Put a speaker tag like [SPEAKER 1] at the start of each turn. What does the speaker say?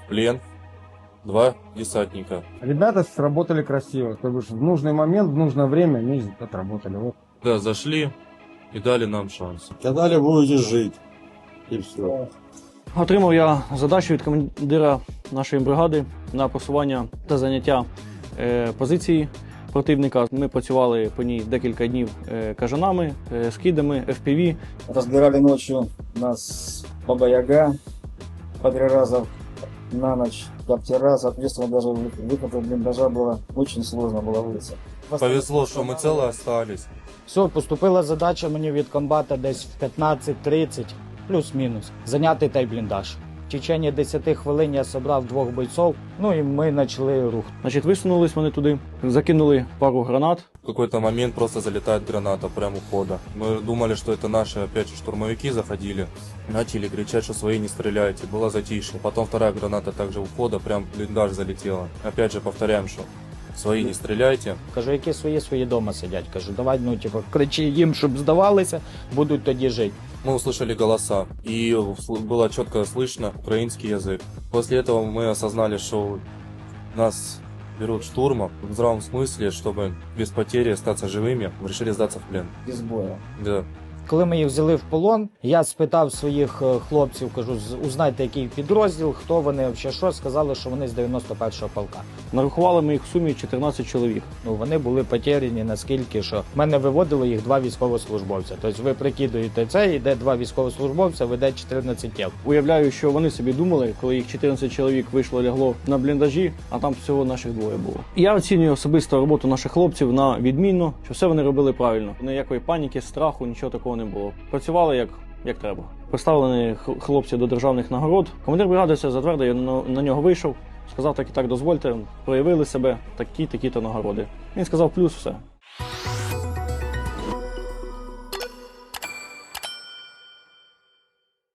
[SPEAKER 1] в плен 2 десантника.
[SPEAKER 2] Ребята сработали красиво, то бишь в нужный момент, в нужное время они отработали. Вот.
[SPEAKER 1] Да, зашли и дали нам шанс.
[SPEAKER 3] Сказали, будете жить. И все.
[SPEAKER 4] Отримав я задачу від командира нашої бригади на просування та заняття позиції противника. Ми працювали по ній декілька днів кажанами, скидами, FPV.
[SPEAKER 5] Разбирали ночью нас Баба Яга по 3 раза на ночь, коптера, соответственно, даже выход из блиндажа было очень сложно было выйти.
[SPEAKER 1] Повезло, что мы целы остались.
[SPEAKER 6] Все, поступила задача мені від комбата десь в 15:30, плюс-мінус, зайняти той бліндаж. В течение 10 хвилин я зібрав 2 бойців, ну і ми почали рух.
[SPEAKER 4] Значить, висунулись вони туди, закинули пару гранат.
[SPEAKER 1] В какой-то момент просто залетает граната прямо у входа. Мы думали, что это наши опять же штурмовики заходили. Начали кричать, что свои не стреляйте. Было затишье. Потом вторая граната также у входа прям в блиндаж залетела. Опять же повторяем, что свои не стреляйте.
[SPEAKER 6] Кажу, які свої дома сидять. Кажу, давай, ну, типу, кричи їм, щоб здавалися, будуть тоді жити.
[SPEAKER 1] Мы услышали голоса, и было четко слышно украинский язык. После этого мы осознали, что нас берут штурмом в здравом смысле, чтобы без потери остаться живыми, решили сдаться в плен.
[SPEAKER 5] Без боя.
[SPEAKER 1] Да.
[SPEAKER 6] Коли ми їх взяли в полон, я спитав своїх хлопців, кажу, узнайте, який підрозділ, хто вони, взагалі що, сказали, що вони з 91-го полка.
[SPEAKER 4] Нарахували ми їх в сумі 14 чоловік.
[SPEAKER 6] Ну, вони були потеряні наскільки, що в мене виводило їх 2 військовослужбовця. Тобто ви прикидуєте це, йде 2 військовослужбовця, веде 14 тіл.
[SPEAKER 4] Уявляю, що вони собі думали, коли їх 14 чоловік вийшло лягло на бліндажі, а там всього наших 2 було. Я оцінюю особисто роботу наших хлопців на відмінно, що все вони робили правильно. Ніякої паніки, страху, нічого такого не було. Працювали як треба. Представлені хлопці до державних нагород. Командир бригади все затвердив, я на нього вийшов, сказав, так і так дозвольте, проявили себе, такі-то нагороди. Він сказав плюс, все.